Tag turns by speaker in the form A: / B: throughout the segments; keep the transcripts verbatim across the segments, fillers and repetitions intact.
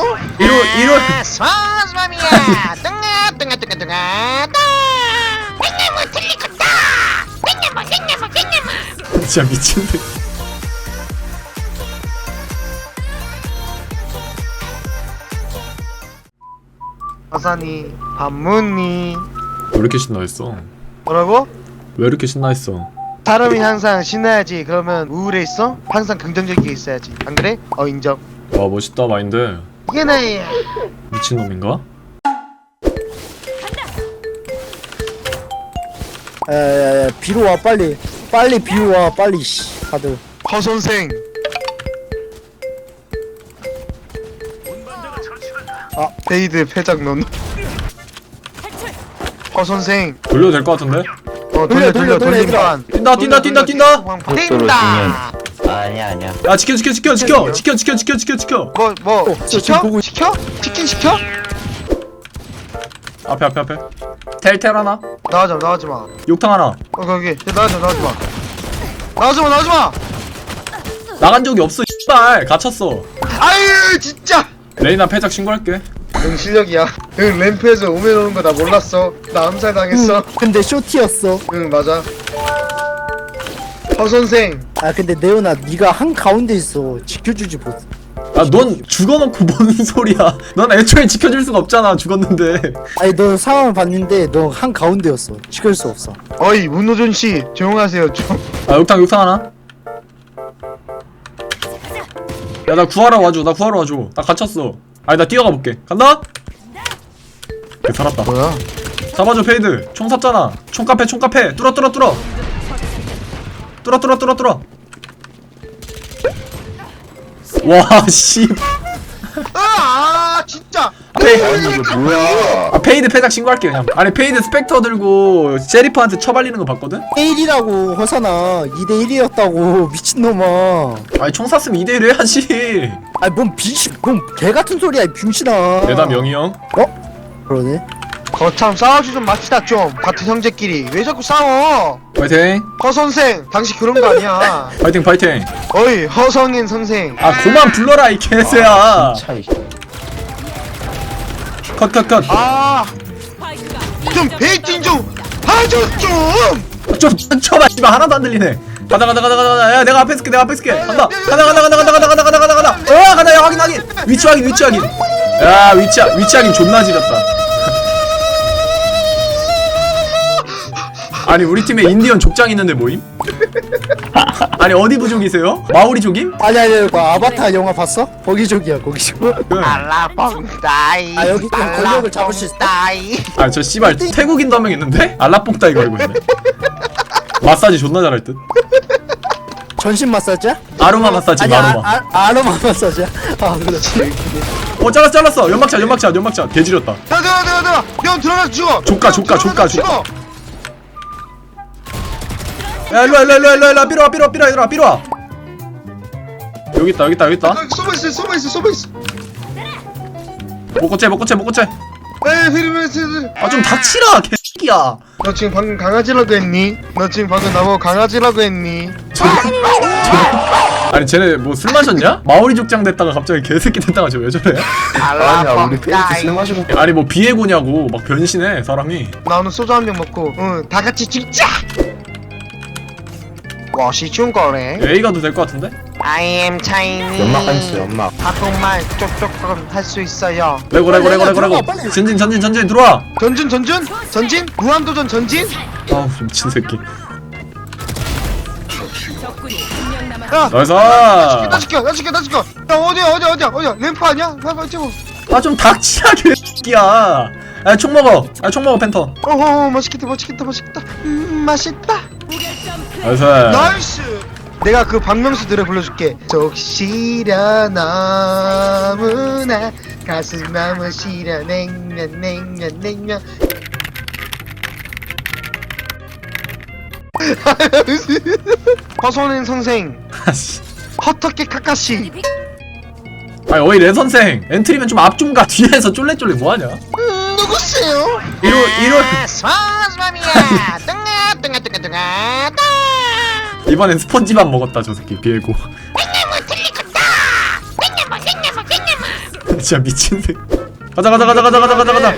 A: 이로 이로
B: 소스맘이야. 뚱아 뚱아 뚱아 뚱아 뚱. 냉나무 틀리겠다. 냉나무 냉나무 냉나무.
A: 진짜 미친데.
B: 화산이 반문이.
A: 왜 이렇게 신나했어?
B: 뭐라고?
A: 왜 이렇게 신나했어?
B: 사람이 항상 신나야지. 그러면 우울해 있어? 항상 긍정적이게 있어야지. 안 그래? 어 인정.
A: 와 멋있다 마인드.
B: 이게 나야.
A: 미친놈인가?
C: 야야야 비로 와 빨리 빨리 비로 와 빨리 씨 다들.
B: 허 선생.
C: 아.
B: 베이드 패작 넌. 허 선생.
A: 돌려도 될 것 같은데?
B: 어
C: 돌려,
B: 돌려 돌려
C: 돌려, 돌려,
B: 돌림판.
A: 뛴다 뛴다 뛴다 뛴다.
B: 뛴다.
D: 아니야 아니야.
A: 야 지켜 지켜 지켜 지켜 지켜 지켜 지켜 지켜 지켜.
B: 뭐 뭐
C: 어, 저 지금
B: 시켜?
C: 보고 있-
B: 시켜? 치킨 시켜?
A: 앞에 앞에 앞에. 텔텔 하나.
B: 나가지 마 나가지 마. 어
A: 욕탕 하나.
B: 거기 나가지 마 나가지 마. 나가지 마 나가지 마.
A: 나간 적이 없어. 씨발 갇혔어.
B: 아유 진짜.
A: 레이나 패작 신고할게.
B: 응 실력이야. 응 램프에서 오면 오는 거 나 몰랐어. 나 암살 당했어.
C: 응, 근데 쇼티였어.
B: 응 맞아. 허 선생.
C: 아 근데 네오나 네가 한 가운데 있어. 지켜주지 못.
A: 아 넌 죽어놓고 뭔 소리야? 넌 애초에 지켜줄 수가 없잖아. 죽었는데.
C: 아니 너 상황을 봤는데 너 한 가운데였어. 지킬 수 없어.
B: 어이 문호준 씨 조용하세요 좀.
A: 아 욕탕 욕탕 하나. 야 나 구하러 와줘. 나 구하러 와줘. 나 갇혔어. 아니 나 뛰어가 볼게. 간다. 그 살았다.
B: 뭐야?
A: 잡아줘 페이드. 총 샀잖아. 총카페 총카페. 뚫어 뚫어 뚫어. 뚫어 뚫어 뚫어 뚫어. 와 씨.
B: 아 진짜.
A: 페이,
D: 이거 뭐야?
A: 아 페이드 패작 신고할게 그냥. 아니 페이드 스펙터 들고 셰리프한테 쳐발리는 거 봤거든?
C: 이 대 일이라고 허사나. 이 대 일이었다고 미친놈아.
A: 아니 총 샀으면 이 대 일 해야지.
C: 아니 뭔 비시 뭔 개같은 소리야 이 병신아.
A: 내담 영희 형.
C: 어? 그러네.
B: 거참 싸우지 좀 맙시다 좀. 같은 형제끼리 왜 자꾸 싸워?
A: 파이팅.
B: 허 선생 당신 그런 거 아니야.
A: 파이팅 파이팅.
B: 어이 허성인 선생.
A: 아 그만 불러라 이 개새야.
D: 차이.
A: 컷 컷 컷.
B: 아좀 베이팅 좀 봐줘 좀.
A: 좀 쳐봐. 씨발 하나도 안 들리네. 가다 가다 가다 가다. 야 내가 앞에 쓸게 내가 앞에 쓸게. 간다. 가다 가다 가다 가다 가다 가다 가다 가다 가다. 어 가다. 야 확인 확인. 위치 확인 위치 확인. 야 위치 위치 확인 존나 지렸다. 아니 우리 팀에 인디언 족장 있는데 뭐임? 아니 어디 부족이세요? 마오리족임?
C: 아니 아니 그 아바타 영화 봤어? 거기족이야 거기족.
B: 알라뽕다이.
C: 아, 여기 좀 권력을 잡을 수 있어?
B: 알라뽕다이.
A: 아 저 씨발 태국인도 한 명 있는데? 알라뽕따이 걸고 있네. 마사지 존나 잘할 듯.
C: 전신 마사지야?
A: 아로마 마사지
C: 아니
A: 아로마.
C: 아, 아, 아로마 마사지야? 아 그렇지.
A: 어 잘랐어 잘랐어. 연막샷 연막샷 연막샷 개지렸다.
B: 야 내가 내가 내가 형 들어가서 죽어.
A: 조카, 조카,
B: 들어가서
A: 조카,
B: 죽어.
A: 야 일로와 일로와 일로와 일로와 일로와 삐로와 삐로와 삐로와 얘들아 삐로와. 여기 있다 여기 있다 여기 있다.
B: 아, 쏘고 있어 쏘고 있어 쏘고 있어.
A: 먹고째 먹고째 먹고째.
B: 에이 흐르면서.
A: 아 좀 닥치라 개새끼야.
B: 너 지금 방금 강아지라고 했니? 너 지금 방금 나보고 강아지라고 했니?
A: 아니 쟤네 뭐 술 마셨냐? 마오리 족장 됐다가 갑자기 개새끼 됐다가 쟤 왜 저래?
D: 아니야 우리 페이스 술 마시고.
A: 아니 뭐 비에고냐고 막 변신해 사람이.
B: 나 오늘 소주 한 병 먹고 응다 같이 죽자. 워시 중거래.
A: A 가도 될 것 같은데?
B: I am Chinese.
D: 연막 한 있어 연막.
B: 한국말 쪽쪽 할 수 있어요.
A: 레고 레고 레고 레고 레고.
C: 빨리.
A: 전진 전진 전진 들어와.
B: 전진 전진 전진 무한도전 전진.
A: 아우 미친 새끼.
B: 야.
A: 나이스.
B: 나 시켜 나 시켜 나 시켜. 야 어디야 어디야 어디야 어디야 램프 아니야? 램프 찍어.
A: 아좀 닥치라 개새끼야. 아총 먹어. 아총 먹어 팬터.
B: 어허 맛있겠다 맛있겠다 맛있겠다. 음 맛있다.
A: 나이스.
B: 나이스. 내가 그 박명수 노래 불러줄게. 적시려 너무나 가슴 너무 시려 냉면 냉면 냉면. 허선인 선생
A: 아씨.
B: 허터케 카카시.
A: 아니 어이 레 선생 엔트리면 좀 앞 좀 가. 뒤에서 쫄래쫄래 뭐하냐?
B: 음, 누구세요?
A: 이로 이로
B: 소스맘이야. 뚱아 뚱아 뚱아 뚱아 뚱.
A: 이번엔 스펀지밥 먹었다 저 새끼 비에고.
B: 냉면 틀리겠다. 냉면 냉면 냉면.
A: 진짜 미친 새. 가자 가자 가자 가자 가자 가자 가자.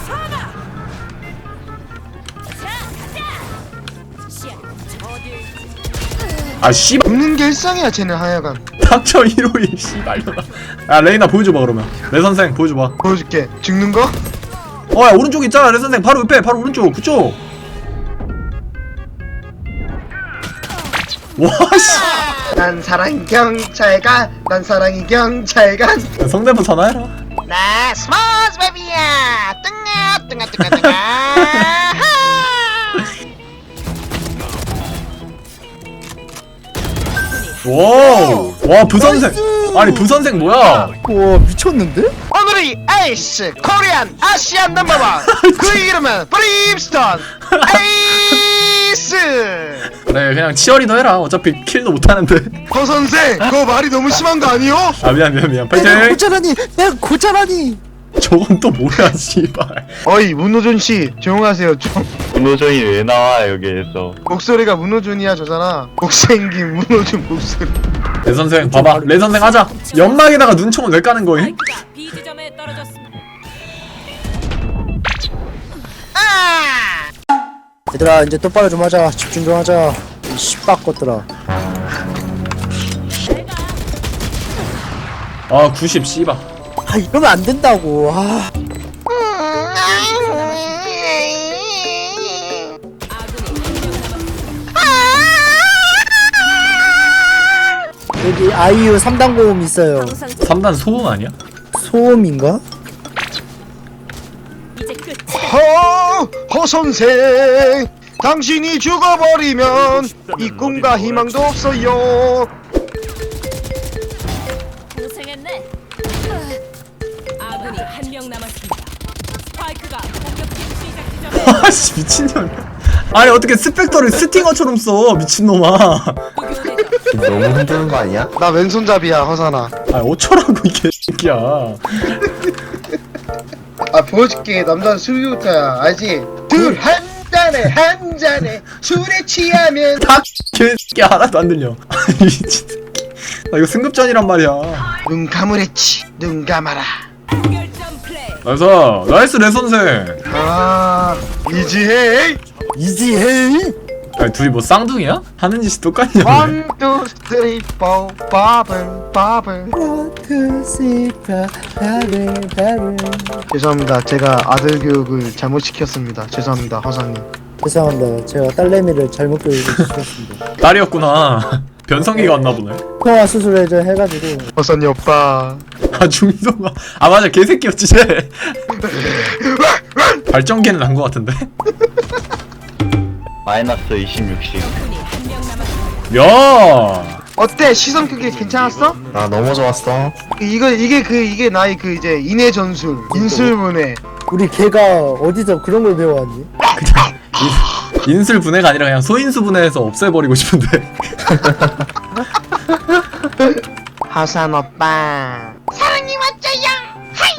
A: 아 씨발
B: 웃는 게 일상이야 쟤는 하여간.
A: 닥쳐 일오일 씨발려나. 야 레이나 보여줘봐 그러면. 레 선생 보여줘봐.
B: 보여줄게. 죽는 거?
A: 어야 오른쪽 있잖아 레 선생 바로 옆에 바로 오른쪽 그쪽. 와씨.
B: 난 사랑 경찰관. 난 사랑이 경찰관.
A: 성대모 전화해라.
B: 나 스마스 베비야. 뜬가 뜬가 뜬가 뜬가.
A: 와우. 와 부선생. 아니 부선생 뭐야?
C: 와 미쳤는데?
B: 오늘의 에이스 코리안 아시안 넘버원 그 이름은 브림스톤 에이스.
A: 그래 그냥 치어리더 해라. 어차피 킬도 못하는데.
B: 허 선생 그거 말이 너무 심한 거 아니요?
A: 아 미안 미안 미안.
C: 내가
A: 파이팅.
C: 고자라니 내가 고자라니.
A: 저건 또 뭐야 씨발.
B: 어이 문호준 씨 조용하세요 좀.
D: 문호정이 왜 나와 여기에서?
B: 목소리가 문호준이야 저잖아. 못생긴 문호준 목소리.
A: 레 선생 봐봐. 레 선생 하자. 연막에다가 눈총을 왜 까는 거임?
E: 스파이크가 B 지점에 떨어졌습니다.
B: 아!
C: 얘들아 이제 똑바로 좀 하자. 집중 좀 하자. 이 씨발 것들아.
A: 아 구십 씨발.
C: 아 이러면 안 된다고. 아 여기 아이유 삼 단 고음 있어요.
E: 항상
A: 삼 단 소음 아니야?
C: 소음인가?
E: 이제 끝.
B: 허, 허 선생 당신이 죽어버리면 이 꿈과 희망도 없어요.
E: 고생했네. 아군이 한 명 남았습니다. 스파이크가 공격팀 시작 지점에
A: 아씨 미친년. 아니 어떻게 스펙터를 스팅어처럼 써 미친놈아.
E: 공격되죠.
D: 너무 흔드는 거 아니야?
B: 나 왼손잡이야 허사나.
A: 아 어쩌라고 이 개새끼야.
B: 아 보여줄게. 남자는 술부터야 알지? 둘 한 잔에 한 잔에 술에 취하면
A: 다 개새끼 하나도 안 들려. 아니 미친 새끼. 나 이거 승급전이란 말이야.
B: 눈 감으랬지. 눈 감아라.
E: 결점 플레이.
A: 나이스 나이스 레 선생.
B: 아 이지해.
C: 이지헤이.
A: 아니 둘이 뭐 쌍둥이야? 하는 짓이 똑같냐?
B: 원, 투, 쓰리, 포, 바블, 바블. 죄송합니다. 제가 아들 교육을 잘못 시켰습니다. 죄송합니다, 허사님.
C: 죄송합니다. 제가 딸내미를 잘못 교육시켰습니다.
A: 딸이었구나. 변성기가 왔나 보네.
C: 통화 수술을 좀 해가지고.
B: 허사님 오빠.
A: 아 중성아. 아 맞아 개새끼였지 쟤. 발전기는 난 거 같은데.
D: 마이너스 이십육씩.
E: 군이 한 명 남았습니다.
A: 야.
B: 어때? 시선 크기 괜찮았어?
D: 나 너무 좋았어.
B: 이거 이게 그 이게 나의 그 이제 인해 전술, 인술문해.
C: 우리 걔가 어디서 그런 걸 배워왔니?
A: 그냥 인, 인술 분해가 아니라 그냥 소인수 분해해서 없애버리고 싶은데.
B: 하산 오빠. 사랑이 왔자야.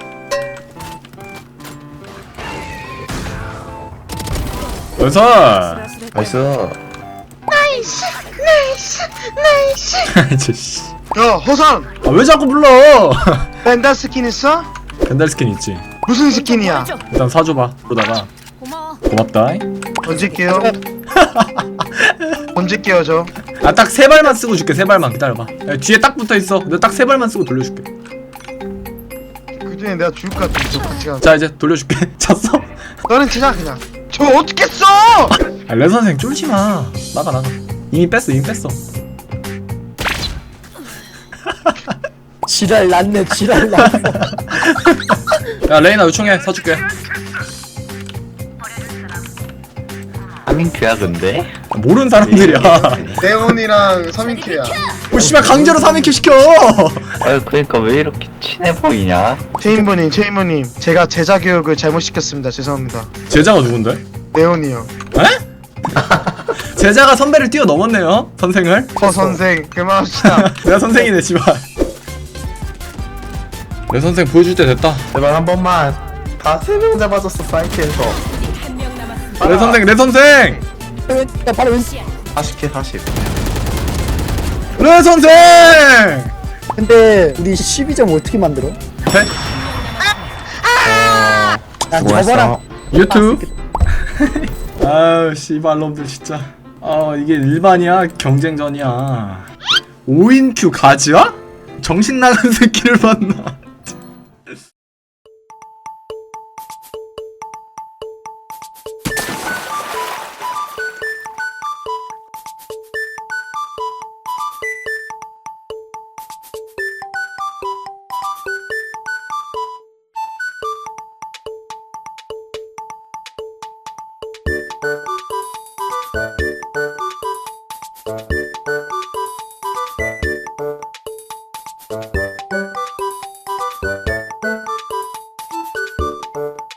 A: 연설.
D: 나이스.
B: 나이스, 나이스, 나이스.
A: 저 씨.
B: 야 허산,
A: 아 왜 자꾸 불러?
B: 벤달 스킨 있어?
A: 벤달 스킨 있지.
B: 무슨 스킨이야?
A: 일단 사줘봐. 그러다가
E: 고마워.
A: 고맙다.
B: 얹을게요. 얹을게요 저.
A: 아 딱 세 발만 쓰고 줄게. 세 발만 기다려봐. 야, 뒤에 딱 붙어 있어. 내가 딱 세 발만 쓰고 돌려줄게.
B: 그 중에 내가 죽을 것 같아. 저 같이 가.
A: 자 이제 돌려줄게. 잤어?
B: 너는 치자 그냥. 저 어떻게 써?
A: 아, 레 선생 쫄지 마. 나가 나가. 이미 뺐어 이미 뺐어.
C: 지랄 났네 지랄 났어.
A: 야 레이나 요청해 사줄게.
D: 하민큐야 근데?
A: 모르는 사람들이야.
B: 네온이랑 삼인큐야.
A: 뭐 씨발 강제로 삼 인큐 시켜.
D: 아유 그러니까 왜 이렇게 친해 보이냐?
B: 체인버님, 체인버님, 제가 제자 교육을 잘못 시켰습니다. 죄송합니다.
A: 제자가 누군데?
B: 네온이요.
A: 에? 제자가 선배를 뛰어넘었네요 선생을.
B: 허 선생 그만합시다.
A: 내가 선생이네 씨발. 내 선생 보여줄 때 됐다.
D: 제발 한 번만. 다 세 명 잡아줬어 사이트에서.
E: 한 명 남았습니다.
A: 내 선생 내 선생
C: 야 바로 왼.
D: 사십 킬 사십.
A: 내 선생.
C: 근데 우리 십이 점 어떻게 만들어?
A: 해?
C: 야 접어라.
A: 유튜브. 아유 씨발놈들 진짜. 아 이게 일반이야 경쟁전이야. 오 인 큐 가즈야? 정신 나간 새끼를 봤나?